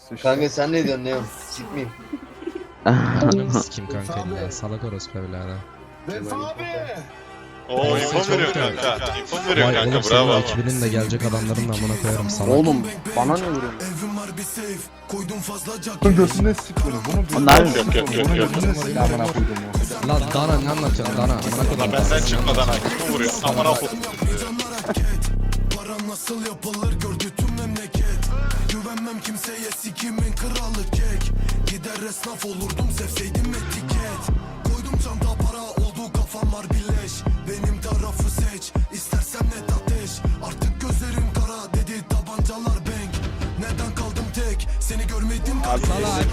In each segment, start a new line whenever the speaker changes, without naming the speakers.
Kanka sen ne diyorsun Neon? Sikmeyeyim.
Ananı sikeyim kanka illa. Salak orospu evladı.
Oo info mu veriyor kanka? İnfo mu veriyor
Vay
kanka?
oğlum senin
Bravo.
o ekibinin de gelecek adamların da amına koyarım salak.
Oğlum bana ne vuruyorsun?
Bunun götüne siktir. Bunu
Onlar
Yok, yok, yok, yok.
Bunun götüne siktir. Amına koydum o.
Lan Dana ne anlatıyorsun Dana? Amına
Lan
koyarım.
benden çıkmadan hakim vuruyor. Amına koydum.
Param nasıl yapılır gördü tüm memleket. Güvenmem kimseye sikimin kralı kek. Gider esnaf olurdum sevseydim etiket. Koydum çanta para oldu kafam var bileş. Benim tarafı seç istersen net ateş. Artık gözlerim kara dedi tabancalar bank. Neden kaldım tek seni görmedim kardeş.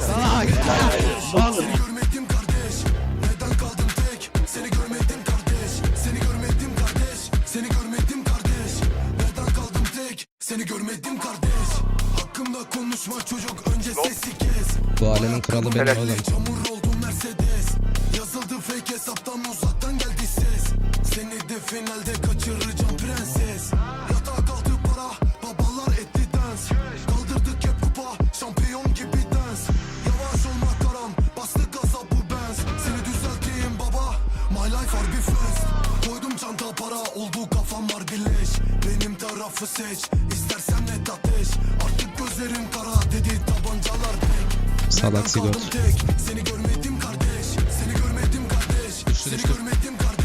Seni görmedim kardeş. Neden kaldım tek seni görmedim kardeş. Seni görmedim kardeş. Seni görmedim kardeş. Neden kaldım tek seni görmedim kardeş. Hakkımda konuşma çocuk önce sesi kes.
Bu alemin kralı benim oğlum.
Çamur oldu Mercedes. Yazıldı fake hesaptan uzaktan geldi ses. Seni de finalde kaçıracağım prenses. Yatağa kaldı para babalar etti dans. Kaldırdık hep kupa şampiyon gibi dans. Yavaş olma karam bastı gaza bu benz. Seni düzelteyim baba my life are bir fest. Koydum çanta para oldu kafam var bileş. Benim tarafı seç istersen net ateş. Artık gözlerim kara dedi tabancalar pek.
Salak sigort.
Seni görmedim kardeş. Seni görmedim kardeş. Seni görmedim kardeş.